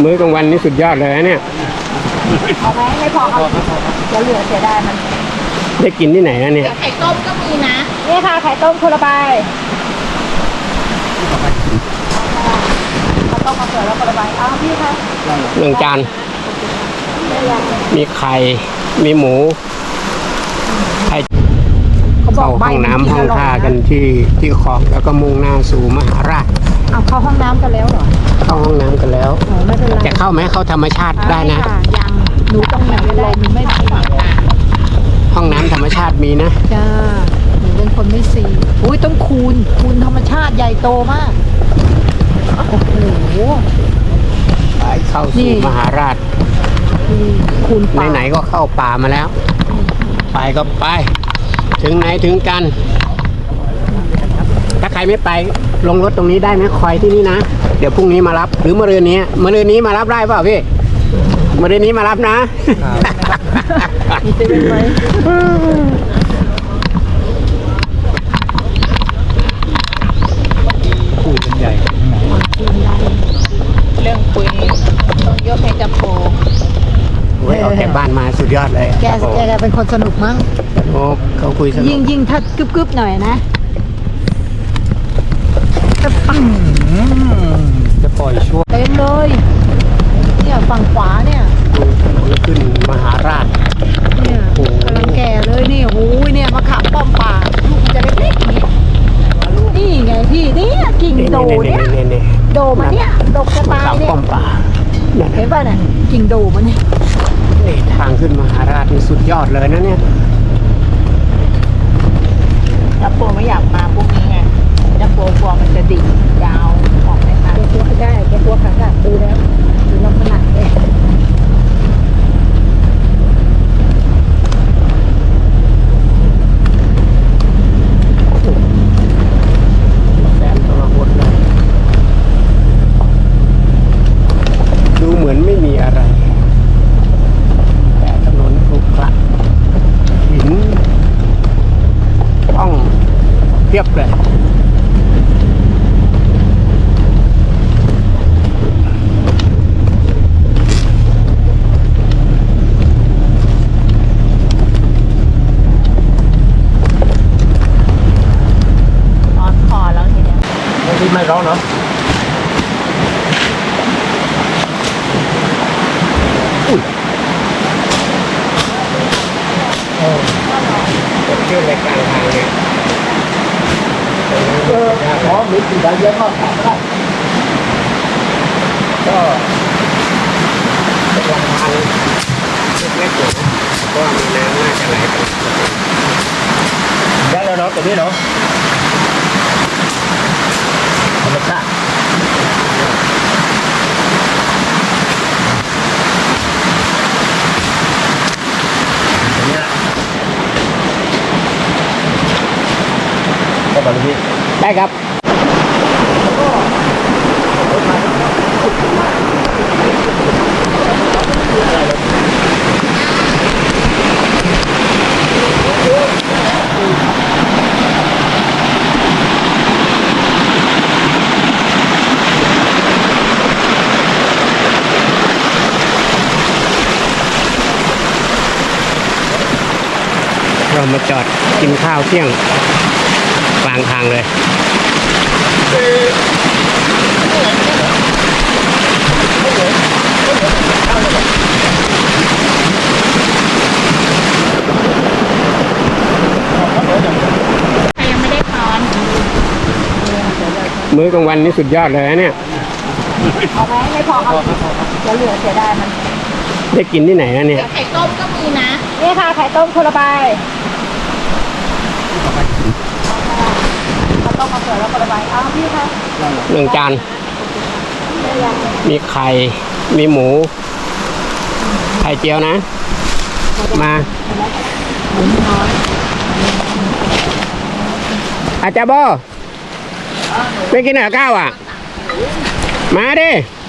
มื้อกลางวันนี่สุดยอดเลยนะเนี่ยเอาไหมไม่พอครับจะเหลือเสียดายมันได้กินที่ไหนนะเนี่ยไข่ต้มก็มีนะนี่ค่ะไข่ต้มคนละใบข้าวต้มมาเสือแล้วคนละใบอ้าวพี่คะ 1 จานมีไข่มีหมูเข้าห้องน้ำห้องท่ากันที่คลองแล้วก็มุ่งหน้าสู่มหาราชเอาเข้าห้องน้ำกันแล้วเหรอเข้าห้องน้ำกันแล้วไม่เป็นไรจะเข้าไหมเข้าธรรมชาติได้นะยังหนูต้องไหนไม่ได้หนูไม่ผ่านห้องน้ำธรรมชาติมีนะจ้าหนูเป็นคนไม่ซีอุ้ยต้องคูณธรรมชาติใหญ่โตมากโอ้โหไปเข้าสู่มหาราชคูณไหนๆก็เข้าป่ามาแล้วไปก็ไปถึงไหนถึงกันถ้าใครไม่ไปลงรถตรงนี้ได้ไหมคอยที่นี่นะเดี๋ยวพรุ่งนี้มารับหรือมะรืนนี้มารับได้เปล่าพี่มะรืนนี้มารับนะจะเป็นไหมคุยกันใหญ่เรื่องคุยต้องยกให้จับโปออกจากบ้านมาสุดยอดเลยแกเป็นคนสนุกมั้งโอ้เขาคุยสนุกยิ่งถ้ากึบหน่อยนะจะปล่อยช่วงเต็มเลยเนี่ยฝั่งขวาเนี่ยขึ้นมหาราชเนี่ยกำลังแก่เลยนี่โอ้ยเนี่ยมะขามป้อมป่าลูกมันจะเล็กๆนี่ไงพี่เนี่ยกิ่งโดเนี่ยโดมันเนี่ยดกจะตายเนี่ยป้อมป่าเห็นป่ะเนี่ยกิ่งโดมันเนี่ยทางขึ้นมหาราชนี่สุดยอดเลยนะเนี่ยจับโปไม่อยากมาพวกนี้ไงจับโปกลัวมันจะดิ่งยาวออกไหมคะแกกลัวได้แกกลัวขาขาดดูแล้วดูลำขนาดเลยดูเหมือนไม่มีอะไรแต่ถนนขรุขระหินห้องเพียบเลยร้อนคอแล้วทีเนี้ยที่ไม่ร้อนเนาะขึ้นในกลางทางเนี่ยมีสิ่งใดเยอะมากก็เป็นลำธารเล็กๆอยู่นะเพราะมีน้ำน่าจะไหลไปได้แล้วเนาะตรงนี้เนาะธรรมชาติได้ครับเรามาจอดกินข้าวเที่ยงกลางทางเลยยังไม่ได้พร้อมมื้อกลางวันนี่สุดยอดเลยนะเนี่ยเอาไหมไม่พอครับจะเหลือเสียดายมันได้กินที่ไหนนะเนี่ยไข่ต้มก็มีนะนี่ค่ะไข่ต้มคนละใบข้าวต้มมาเสือแล้วคนละใบอ้าวพี่คะ 1 จานมีไข่มีหมูไข่เจียวนะมาอาจารย์โบไปกินเหนือข้าวอ่ะมาดิ